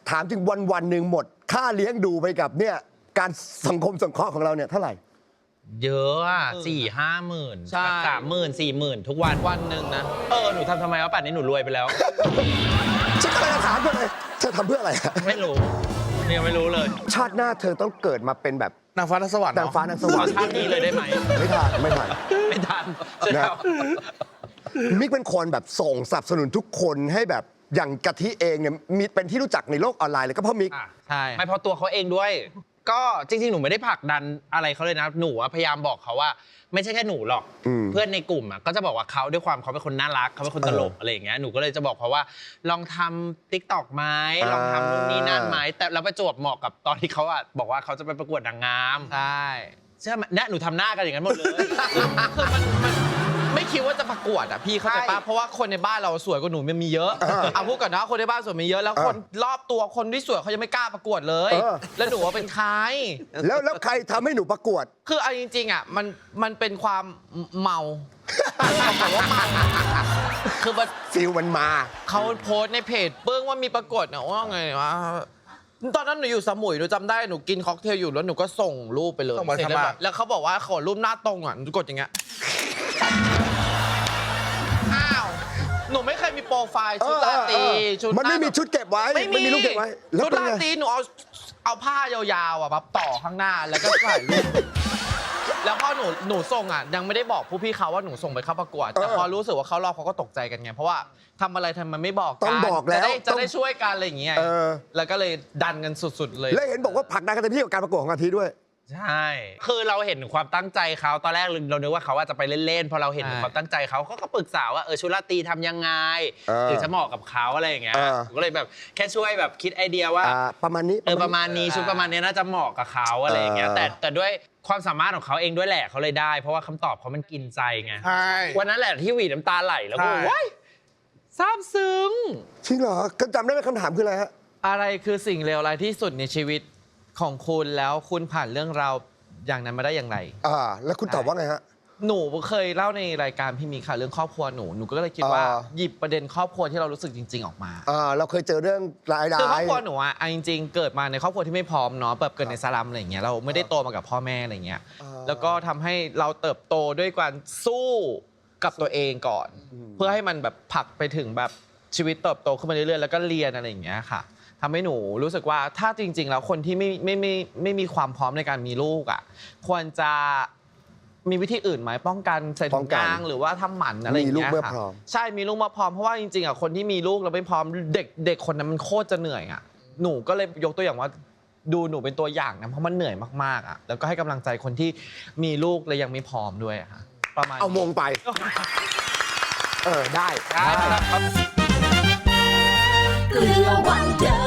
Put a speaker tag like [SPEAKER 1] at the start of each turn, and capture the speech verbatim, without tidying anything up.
[SPEAKER 1] ถามจริงวันวันหนึ่งหมดค่าเลี้ยงดูไปกับเนี่ยการสังคมสงเคราะห์ของเราเนี่ยเท่าไหร่
[SPEAKER 2] เยอะอ่ะสี่ห้าหมื่น
[SPEAKER 3] ใช่
[SPEAKER 2] สามหมื่นสี่หมื่นทุกวัน
[SPEAKER 3] วันหนึ่งนะ
[SPEAKER 2] เออหนูทำทำไมวะป่านนี้หนูรวยไปแล้ว
[SPEAKER 1] ฉันก็เลยถามเธอเลยเธอทำเพื่ออะไร
[SPEAKER 2] ไม่รู้ยังไม่รู้เลย
[SPEAKER 1] ชาติหน้าเธอต้องเกิดมาเป็นแบบ
[SPEAKER 4] นางฟ้านางสวรรค์
[SPEAKER 1] นางฟ้านางสวรรค์
[SPEAKER 2] ชาตินี้เลยได้ไหม
[SPEAKER 1] ไม่ทันไม่ทัน
[SPEAKER 2] ไม่ทัน
[SPEAKER 1] นะ มิกเป็นคนแบบส่งสนับสนุนทุกคนให้แบบอย่างกะทิเองเนี่ยมีเป็นที่รู้จักในโลกออนไลน์เลยก็เพราะมิก
[SPEAKER 2] อ่ะ
[SPEAKER 3] ใช่
[SPEAKER 2] ไม่เพราะตัวเขาเองด้วย ก็จริงๆ หนูไม่ได้ผลักดันอะไรเขาเลยนะ หนูอะพยายามบอกเขาว่า ไม่ใช่แค่หนูหรอก
[SPEAKER 1] อืม
[SPEAKER 2] เพื่อนในกลุ่มอะก็จะบอกว่าเขาด้วยความเขาเป็นคนน่ารักเขาเป็นคนตลก
[SPEAKER 1] เอออ
[SPEAKER 2] อะไรอย่างเงี้ย หนูก็เลยจะบอกเขาว่า ลองทำติ๊กต็อกไหม
[SPEAKER 1] อ่า
[SPEAKER 2] ลองทำนู่นนี่นั่นไหมแต่เราประจวบเหมาะกับตอนที่เขาอะบอกว่าเขาจะไปประกวดนางงาม
[SPEAKER 3] ใช่
[SPEAKER 2] ใช่ไหมเนี่ยหนูทำหน้ากันอย่างนั้นหมดเลย
[SPEAKER 3] คือมันมันไม่คิดว่าจะประกวดอ่ะพี่เข้าใจ
[SPEAKER 2] ใช่
[SPEAKER 3] ปะเพราะว่าคนในบ้านเราสวยกว่าหนูมันมีเยอะเอาพูดก่อนนะคนในบ้านสวยมีเยอะแล้วคนรอบตัวคนที่สวยเขายังไม่กล้าประกวดเลย
[SPEAKER 1] เออ
[SPEAKER 3] แล้วหนูว่าเป็นใคร
[SPEAKER 1] แล้วแล้วใครทำให้หนูประกวด
[SPEAKER 3] คือเอาจริงๆอ่ะมันมันเป็นความเมาบอกว่าเมาคือมัน
[SPEAKER 1] ฟิลมันมา
[SPEAKER 3] เขาโพสต์ในเพจเปิ้งว่ามีประกวดเนี่ยว่าไงวะตอนนั้นหนูอยู่สมุยหนูจำได้หนูกินค็อกเทลอยู่แล้วหนูก็ส่งรูปไปเลย
[SPEAKER 4] ส่งมา
[SPEAKER 3] เสร็จ
[SPEAKER 4] ทำ
[SPEAKER 3] แล้ว
[SPEAKER 4] ไม
[SPEAKER 3] แบบแล้วเขาบอกว่าขอรูปหน้าตรงอ่ะหนูกดอย่างเงี้ยอ้าวหนูไม่เคยมีโปรไฟล์ชุดราตรี
[SPEAKER 1] เออเออ
[SPEAKER 3] ชุด
[SPEAKER 1] มันไม่
[SPEAKER 3] หา
[SPEAKER 1] มีชุดเก็บไว้
[SPEAKER 3] ไม่
[SPEAKER 1] มันมีรูปเก็บไว้แล้ว
[SPEAKER 3] ชุด
[SPEAKER 1] เป็น
[SPEAKER 3] รา
[SPEAKER 1] ไง
[SPEAKER 3] ตรีหนูเอาเอาผ้ายาวๆอ่ะมาต่อข้างหน้าแล้วก็ถ่ายรูปแล้วพอหนูหนูส่งอ่ะยังไม่ได้บอกผู้พี่เขาว่าหนูส่งไปเข้าประกวดแต่พอรู้สึกว่าเขารอบเขาก็ตกใจกันไงเพราะว่าทำอะไรทำไมไม่บอกกัน
[SPEAKER 1] ต้องบอกแล้ว
[SPEAKER 3] จะได้จะ
[SPEAKER 1] ต้อง
[SPEAKER 3] ได้ช่วยกันอะไรอย่างเงี้ย
[SPEAKER 1] เออ
[SPEAKER 3] แล้วก็เลยดันกันสุดๆเลย
[SPEAKER 1] แล้วเห็นบอกว่าผลักดันกันเต็มที่กับการประกวดของกะทิด้วย
[SPEAKER 2] ใช่ คือเราเห็นความตั้งใจเขาตอนแรกเรานึกว่าเขาว่าจะไปเล่นๆ พอเราเห็น
[SPEAKER 3] ใช่
[SPEAKER 2] ความตั้งใจเขาเขาก็ปรึกษาว่าเออชุดราตรีทำยังไง
[SPEAKER 1] เออ
[SPEAKER 2] ถึงจะเหมาะกับเขาอะไรอย่างเงี้ย
[SPEAKER 1] เออ
[SPEAKER 2] ผมก็เลยแบบแค่ช่วยแบบคิดไอเดียว่า
[SPEAKER 1] อ่าประมาณนี้
[SPEAKER 2] เออประมาณนี้ชุดประมาณนี้น่าจะเหมาะกับเขาอะไรอย่างเงี้ย
[SPEAKER 1] เออ
[SPEAKER 2] แต่แต่ด้วยความสามารถของเขาเองด้วยแหละเขาเลยได้ เพราะว่าคำตอบเขามันกินใจไง
[SPEAKER 4] ใช่
[SPEAKER 2] วันนั้นแหละที่หวีดน้ำตาไหลแล้วก็
[SPEAKER 4] ใช่
[SPEAKER 2] ว้ายซาบซึ้ง
[SPEAKER 1] จริงเหรอก็จำได้ไหมคำถามคืออะไรฮะ
[SPEAKER 3] อะไรคือสิ่งเลวร้ายที่สุดในชีวิตของคุณแล้วคุณผ่านเรื่องราวอย่างนั้นมาได้อย่างไร
[SPEAKER 1] อ่า แล้วคุณตอบว่าไงฮะ
[SPEAKER 3] หนูเคยเล่าในรายการพี่มีค่ะเรื่องครอบครัวหนูหนูก็เลยคิดว่า
[SPEAKER 1] อ่า
[SPEAKER 3] หยิบประเด็นครอบครัวที่เรารู้สึกจริง ๆออกมา
[SPEAKER 1] อ่า เราเคยเจอเรื่องรายได้
[SPEAKER 3] คือครอบครัวหนูอะเอาจริงๆ เกิดมาในครอบครัวที่ไม่พร้อมเนาะแบบเกิดในสลัมอะไรอย่างเงี้ยเราไม่ได้โตมากับพ่อแม่อะไรเงี้ย
[SPEAKER 1] อ่า
[SPEAKER 3] แล้วก็ทำให้เราเติบโตด้วยการสู้กับตัวเองก่อน เพื่อให้มันแบบผลักไปถึงแบบชีวิตเติบโตขึ้นมาเรื่อยๆแล้วก็เรียนอะไรอย่างเงี้ยค่ะทำให้หนูรู้สึกว่าถ้าจริง ๆ แล้วคนที่ไม่ไม่ไม่ไม่มีความพร้อมในการมีลูกอะควรจะมีวิธีอื่นไหมป้องกันใส่
[SPEAKER 1] ป้
[SPEAKER 3] ถุ
[SPEAKER 1] อง
[SPEAKER 3] ง
[SPEAKER 1] กัน
[SPEAKER 3] ยางหรือว่าทำหมันอะไรอย่าง
[SPEAKER 1] มีลูก
[SPEAKER 3] เงี้ย
[SPEAKER 1] เมื่อ
[SPEAKER 3] ค่ะ
[SPEAKER 1] พร้อม
[SPEAKER 3] ใช่มีลูกมาพร้อมเพราะว่าจริงๆอ่ะคนที่มีลูกแล้วไม่พร้อมเด็กเด็กคนนั้นมันโคตรจะเหนื่อยอ่ะหนูก็เลยยกตัวอย่างว่าดูหนูเป็นตัวอย่างนะเพราะมันเหนื่อยมากๆอ่ะแล้วก็ให้กำลังใจคนที่มีลูกและยังไม่พร้อมด้วยอะค่ะประมาณ
[SPEAKER 1] เอามงไป เออ ได้
[SPEAKER 2] ได้ครับ
[SPEAKER 5] เกลือวันเดอ